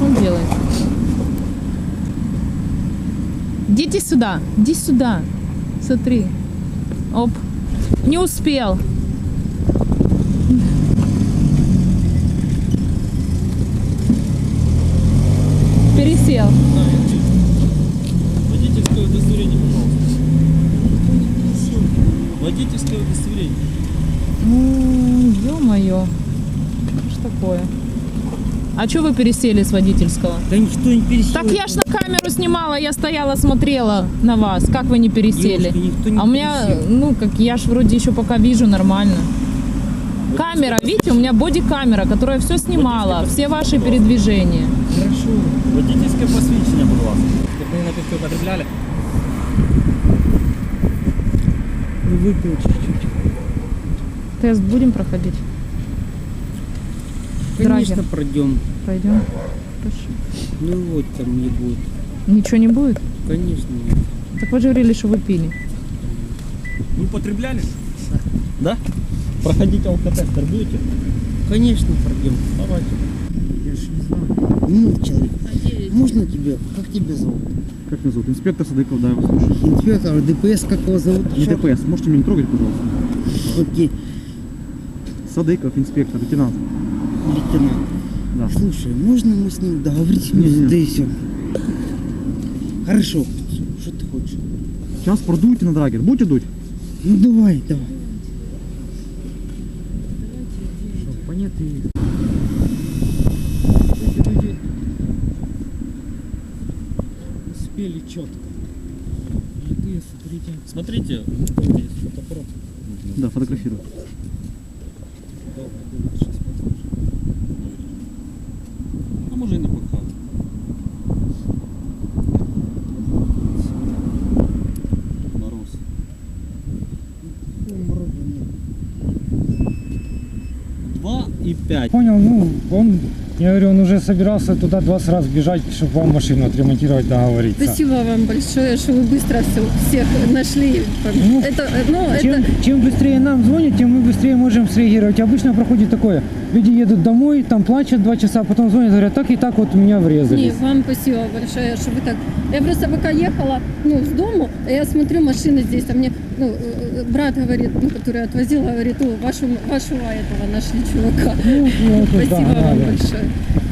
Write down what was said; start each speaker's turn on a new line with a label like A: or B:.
A: он делает? Идите сюда, иди сюда. Смотри. Оп. Не успел. Пересел.
B: Водительское удостоверение, пожалуйста. Водительское удостоверение.
A: Ну, ё-моё. Что такое? А чё вы пересели с водительского?
C: Да никто не пересел.
A: Так я ж на камеру снимала, я стояла, смотрела на вас. Как вы не пересели?
C: Девушка, никто не
A: А у меня,
C: пересел.
A: ну, как я ж вроде еще пока вижу нормально. Камера, видите, у меня боди-камера, которая все снимала, все ваши передвижения.
C: Хорошо.
B: Водительское посвідчення, будь ласка. Вы напитки употребляли?
C: Выпил чуть-чуть.
A: Тест будем проходить?
C: Конечно,
A: Драгер.
C: пройдем.
A: Пойдем. Хорошо.
C: Ну вот там не будет.
A: Ничего не будет?
C: Конечно нет.
A: Так вы же говорили, что вы пили.
B: Вы употребляли? Да? Проходите алкотестер будете?
C: Конечно пройдем.
B: Давайте.
C: Я же не знаю. Ну, человек, можно тебе? Как тебя зовут?
D: Как меня зовут? Инспектор Садыков, да, я вас слушаю.
C: Инспектор, ДПС как его зовут?
D: Не ДПС, можете меня не трогать, пожалуйста?
C: Окей,
D: Садыков, инспектор, лейтенант.
C: лейтенант.
D: Да.
C: Слушай, можно мы с ним договоримся?
D: Не-не.
C: Да и все. Хорошо. Что ты хочешь?
D: Сейчас продуйте на драгер. Будете дуть?
C: Ну давай, давай. Понятно. Эти люди успели четко. Литые, смотрите.
B: Смотрите, есть фотоаппарат.
D: Да, фотографирую.
B: Сейчас покажу. А може і не покажу. Мороз. Два и 5.
E: Понял, ну, я говорю, он уже собирался туда 20 раз бежать, чтобы вам машину отремонтировать, договориться.
F: Спасибо вам большое, что вы быстро всех нашли.
E: Ну, Чем быстрее нам звонят, тем мы быстрее можем среагировать. Обычно проходит такое, люди едут домой, там плачут 2 часа, потом звонят, говорят, так и так вот меня
F: Не,
E: врезались.
F: вам спасибо большое, что вы так... Я просто пока ехала, с дому, а я смотрю, машины здесь, а мне, брат говорит, который отвозил, говорит, вашего этого нашли чувака.
E: Ну, это
F: Спасибо
E: да,
F: вам
E: да.
F: большое.